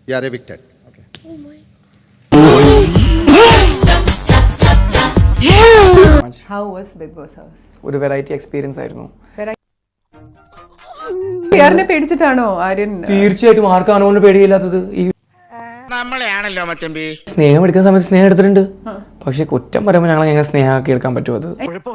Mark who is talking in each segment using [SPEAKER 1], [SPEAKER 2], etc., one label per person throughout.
[SPEAKER 1] You are evicted. Okay.
[SPEAKER 2] How was Big Boss House?
[SPEAKER 3] ഒരു variety experience ആയിരുന്നു.
[SPEAKER 2] ആര്യനെ പേടിച്ചിട്ടാണോ ആര്യൻ?
[SPEAKER 3] തീർച്ചയായിട്ടും ആർക്കും അനുമോളിന് പേടിയില്ലാത്തത്. ഈ
[SPEAKER 4] നമ്മളെയാണല്ലോ മച്ചമ്പി.
[SPEAKER 3] സ്നേഹം എടുക്കുന്ന സമയത്ത് സ്നേഹം എടുത്തിട്ടുണ്ട്. പക്ഷെ കുറ്റം പറയുമ്പോൾ ഞങ്ങൾ എങ്ങനെ സ്നേഹമാക്കി എടുക്കാൻ പറ്റുമോ? അത്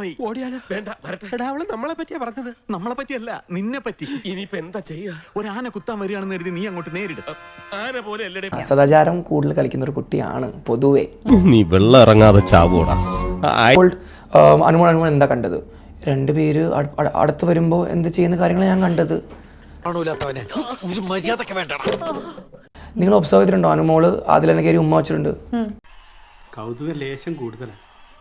[SPEAKER 5] നമ്മളെ പറ്റിയാ പറഞ്ഞത്, നമ്മളെ പറ്റിയല്ല നിന്നെ പറ്റി. ഇനിയിപ്പോ എന്താ ചെയ്യാ? ഒരു ആന കുത്താൻ വരികയാണെന്ന് കരുതി നീ അങ്ങോട്ട് നേരിടും. ആന പോലെ അല്ലേ?
[SPEAKER 3] സദാചാരം കൂടുതൽ കളിക്കുന്ന ഒരു കുട്ടിയാണ് പൊതുവെ.
[SPEAKER 6] നീ വെള്ളം ഇറങ്ങാതെ ചാവൂടാ.
[SPEAKER 3] അനുമോൾ എന്താ കണ്ടത്? രണ്ടുപേര് അടുത്ത് വരുമ്പോ എന്ത് ചെയ്യുന്ന കാര്യങ്ങളാണ് ഞാൻ കണ്ടത്. നിങ്ങൾ ഒബ്സർവ് ചെയ്തിട്ടുണ്ടോ? അനുമോള് അതിൽ തന്നെ കയറി ഉമ്മ വെച്ചിട്ടുണ്ട്.
[SPEAKER 7] കൗതുക ലേശം കൂടുതലാണ്.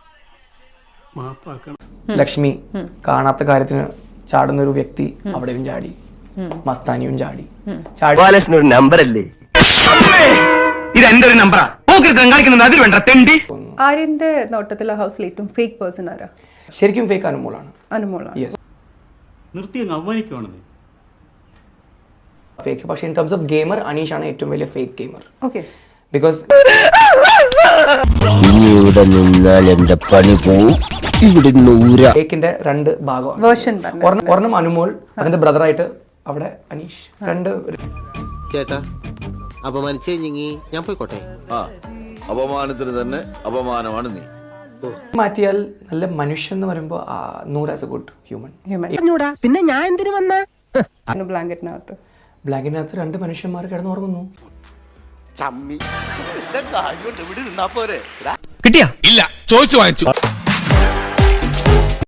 [SPEAKER 3] ലക്ഷ്മി കാണാത്ത കാര്യത്തിന് ചാടുന്ന ഒരു വ്യക്തി അവിടെയും ചാടി, മസ്താനിയും ചാടി.
[SPEAKER 8] ഒരു നമ്പറല്ലേ ഇത്? എന്റെ ഒരു നമ്പറാ. കളിക്കുന്നത് അതിൽ വേണ്ട തെണ്ടി.
[SPEAKER 2] ആര്യന്റെ നോട്ടത്തിൽ ഹൗസിൽ ഏറ്റവും ഫേക്ക് പേഴ്സൺ ആരാ?
[SPEAKER 3] ശരിക്കും ഫേക്ക് അനുമോളാണ്.
[SPEAKER 2] അനുമോളാണ്.
[SPEAKER 3] യെസ്,
[SPEAKER 7] നിർത്തി അങ്ങ് അവമാനിക്കുവാണെന്നേ.
[SPEAKER 3] ഫേക്ക്. പക്ഷേ ഇൻ ടേംസ് ഓഫ് ഗെയിമർ അനീഷാണ് ഏറ്റവും വലിയ ഫേക്ക് ഗെയിമർ.
[SPEAKER 2] ഓക്കെ.
[SPEAKER 3] ബിക്കോസ്
[SPEAKER 6] ഇവിടെ നിന്നാൽ എന്റെ പണി പോവും. ഇവിടെ
[SPEAKER 3] ഫേക്കിന്റെ രണ്ട് ഭാഗമാണ്.
[SPEAKER 2] വേർഷൻ
[SPEAKER 3] ഒരെണ്ണം അനുമോൾ, അതിന്റെ ബ്രദറായിട്ട് അവിടെ അനീഷ്. രണ്ട്
[SPEAKER 1] ചേട്ടാ അപമാനിച്ചേ ഞാൻ പോയിക്കോട്ടെ.
[SPEAKER 9] അപമാനത്തിന് തന്നെ അപമാനമാണ് നീ.
[SPEAKER 3] മാറ്റിയാൽ നല്ല മനുഷ്യൻ എന്ന് പറയുമ്പോൾ Noor as a good human.
[SPEAKER 8] പിന്നെ ഞാൻ എന്തിനു വന്ന
[SPEAKER 2] ബ്ലാങ്കറ്റിനകത്ത്
[SPEAKER 3] രണ്ട് മനുഷ്യന്മാർ കിടന്നുറങ്ങുന്നു.
[SPEAKER 4] കിട്ടിയാ? ഇല്ല, ചോദിച്ചു വാങ്ങിച്ചു.